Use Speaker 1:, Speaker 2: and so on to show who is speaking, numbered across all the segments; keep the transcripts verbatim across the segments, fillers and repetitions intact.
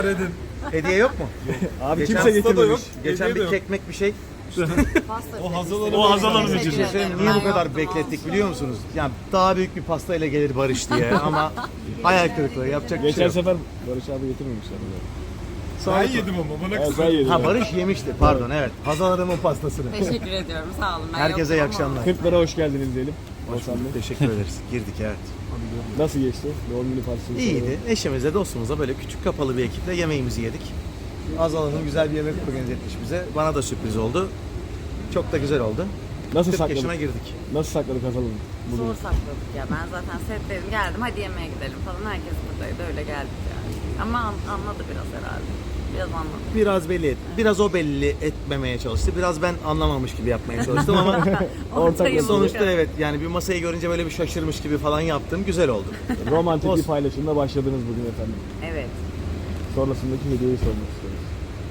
Speaker 1: Edin.
Speaker 2: Hediye yok mu?
Speaker 3: Abi
Speaker 2: Geçen
Speaker 3: kimse
Speaker 2: hafta da yok.
Speaker 3: getirmemiş.
Speaker 2: Geçen
Speaker 1: Hediye de
Speaker 2: bir
Speaker 1: yok.
Speaker 2: kekmek bir şey.
Speaker 1: O Hazal Hanım.
Speaker 3: O Hazal Hanım
Speaker 4: Teşekkür
Speaker 3: için.
Speaker 4: ederim.
Speaker 2: Şey, niye
Speaker 4: Ben
Speaker 2: bu kadar
Speaker 4: yoktum,
Speaker 2: beklettik
Speaker 4: olsun.
Speaker 2: biliyor musunuz? Yani daha büyük bir pastayla gelir Barış diye ama hayal kırıklığı yapacak bir şey
Speaker 3: Geçen
Speaker 2: yok.
Speaker 3: sefer Barış abi getirmemişler.
Speaker 1: Ben yedim ama bana
Speaker 3: Evet,
Speaker 1: kızım.
Speaker 3: sen yedin.
Speaker 2: Ha Barış yemişti pardon evet. Hazal Hanım'ın pastasını.
Speaker 4: Teşekkür ediyorum, sağ olun. Ben
Speaker 2: Herkese iyi
Speaker 4: yoktum ama-
Speaker 2: akşamlar.
Speaker 3: kırklara hoş geldiniz diyelim.
Speaker 2: Hoş bulduk, teşekkür ederiz. Girdik evet.
Speaker 3: Nasıl geçti? Doğum günü partisi.
Speaker 2: İyiydi. Eşimizle dostumuzla böyle küçük kapalı bir ekiple yemeğimizi yedik. Hazal Hanım güzel bir yemek organize etmiş bize. Bana da sürpriz oldu. Çok da güzel oldu.
Speaker 3: Nasıl
Speaker 2: kırk
Speaker 3: sakladık?
Speaker 2: yaşına girdik.
Speaker 3: Nasıl sakladık Hazal Hanım? Bugün.
Speaker 4: Zor sakladık ya. Ben zaten setteydim. Geldim hadi yemeğe gidelim falan. Herkes buradaydı. Öyle geldik yani. Ama an- anladı biraz herhalde. Biraz anladı.
Speaker 2: Biraz belli et. Biraz o belli etmemeye çalıştı. Biraz ben anlamamış gibi yapmaya çalıştım ama
Speaker 3: Ortak
Speaker 4: Ortayı
Speaker 2: sonuçta
Speaker 4: bulduk.
Speaker 2: evet yani bir masayı görünce böyle bir şaşırmış gibi falan yaptım. Güzel oldu.
Speaker 3: Romantik bir
Speaker 2: Olsun.
Speaker 3: paylaşımla başladınız bugün efendim.
Speaker 4: Evet.
Speaker 3: Sonrasındaki hediyeyi sormak istiyoruz.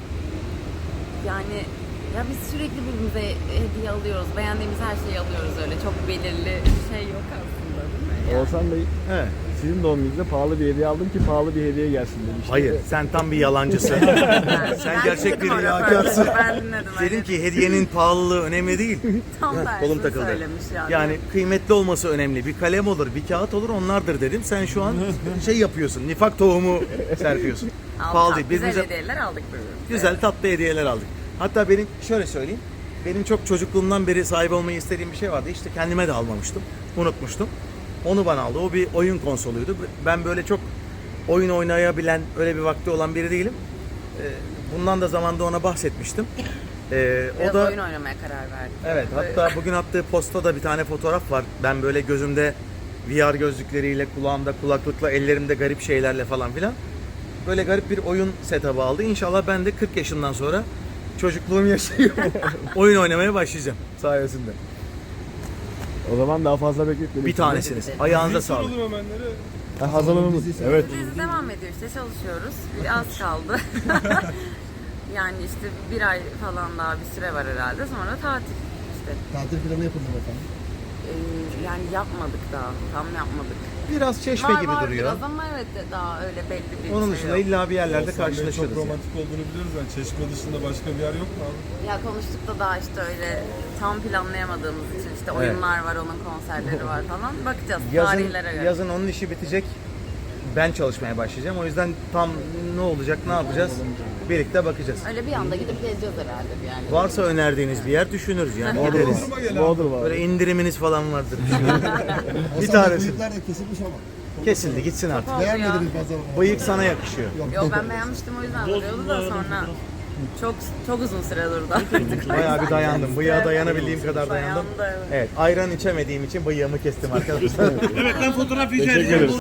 Speaker 4: Yani ya biz sürekli birbirimize hediye alıyoruz. Beğendiğimiz her şeyi alıyoruz öyle. Çok belirli bir şey yok aslında değil mi? Yani.
Speaker 3: Oğuzhan Bey,
Speaker 2: Evet.
Speaker 3: sizin doğum gününüzde pahalı bir hediye aldım ki pahalı bir hediye gelsin demişti.
Speaker 2: Hayır, sen tam bir yalancısın.
Speaker 4: Ben-
Speaker 2: Sen
Speaker 4: ben
Speaker 2: gerçek
Speaker 4: dinledim
Speaker 2: bir
Speaker 4: o
Speaker 2: riyakarsın.
Speaker 4: röportajı, Ben dinledim.
Speaker 2: Dedim
Speaker 4: öyle.
Speaker 2: ki hediyenin pahalılığı önemli değil.
Speaker 4: Tam
Speaker 2: Kolum
Speaker 4: tersini
Speaker 2: takıldı.
Speaker 4: söylemiş yani.
Speaker 2: Yani kıymetli olması önemli. Bir kalem olur, bir kağıt olur onlardır dedim. Sen şu an şey yapıyorsun, nifak tohumu serpiyorsun.
Speaker 4: Aldık,
Speaker 2: Pahalı değil.
Speaker 4: güzel
Speaker 2: Birbirimize
Speaker 4: hediyeler aldık birbirimize.
Speaker 2: güzel tatlı hediyeler aldık. Hatta benim şöyle söyleyeyim. Benim çok çocukluğumdan beri sahip olmayı istediğim bir şey vardı. İşte kendime de almamıştım. Unutmuştum. Onu bana aldı. O bir oyun konsoluydu. Ben böyle çok oyun oynayabilen, öyle bir vakti olan biri değilim. Ee, Bundan da zamanda ona bahsetmiştim. Ee,
Speaker 4: Biraz
Speaker 2: o da
Speaker 4: oyun oynamaya karar verdik.
Speaker 2: evet, hatta bugün attığı postta da bir tane fotoğraf var. Ben böyle gözümde V R gözlükleriyle, kulağımda kulaklıkla, ellerimde garip şeylerle falan filan. Böyle garip bir oyun setup'ı aldı. İnşallah ben de kırk yaşından sonra çocukluğum yaşayıp oyun oynamaya başlayacağım sayesinde.
Speaker 3: O zaman daha fazla bekletmedik.
Speaker 2: Bir tanesiniz. Ayağınıza sağlık.
Speaker 1: Soralım hemenleri.
Speaker 3: Ha, Hazal Hanım'ın. Evet.
Speaker 4: Dizi devam ediyor işte çalışıyoruz. Az kaldı. Yani işte bir ay falan daha bir süre var herhalde. Sonra tatil işte.
Speaker 5: Tatil planı yapıldı mı efendim?
Speaker 4: Ee, yani yapmadık daha. Tam yapmadık.
Speaker 2: Biraz çeşme
Speaker 4: var
Speaker 2: gibi
Speaker 4: var
Speaker 2: duruyor.
Speaker 4: biraz ama evet de daha öyle belli bir
Speaker 2: Onun
Speaker 4: şey
Speaker 2: dışında
Speaker 4: yok.
Speaker 2: illa bir yerlerde
Speaker 1: Oğuzhan Bey
Speaker 2: karşılaşırız.
Speaker 1: çok romantik olduğunu biliyoruz. Yani Çeşme dışında başka bir yer yok mu abi?
Speaker 4: Ya konuştuk da daha işte öyle tam planlayamadığımız için işte oyunlar var, onun konserleri var falan. Bakacağız
Speaker 2: Yazın,
Speaker 4: tarihlere göre.
Speaker 2: yazın onun işi bitecek. Ben çalışmaya başlayacağım. O yüzden tam ne olacak, ne yapacağız? Birlikte bakacağız.
Speaker 4: Öyle bir anda gidip geleceğiz herhalde bir yani.
Speaker 2: Varsa önerdiğiniz bir yer düşünürüz yani gideriz.
Speaker 1: Bodrum'a gel abi.
Speaker 3: Bodrum var.
Speaker 2: Böyle indiriminiz falan vardır. bir
Speaker 5: Hasan Bey,
Speaker 2: tanesi.
Speaker 5: bıyıklar da kesilmiş ama.
Speaker 2: Kesildi gitsin artık.
Speaker 4: Oldu ya.
Speaker 5: Beğenmediniz fazla.
Speaker 2: Bıyık sana yakışıyor.
Speaker 4: Yo ben beğenmiştim o yüzden duruyordu da sonra çok çok uzun süre durdu artık.
Speaker 2: Bayağı bir dayandım. Bıyığa dayanabildiğim kadar dayandım.
Speaker 4: Dayandı, evet.
Speaker 2: Evet, ayran içemediğim için bıyığımı kestim arkadaşlar.
Speaker 3: Teşekkür ederiz.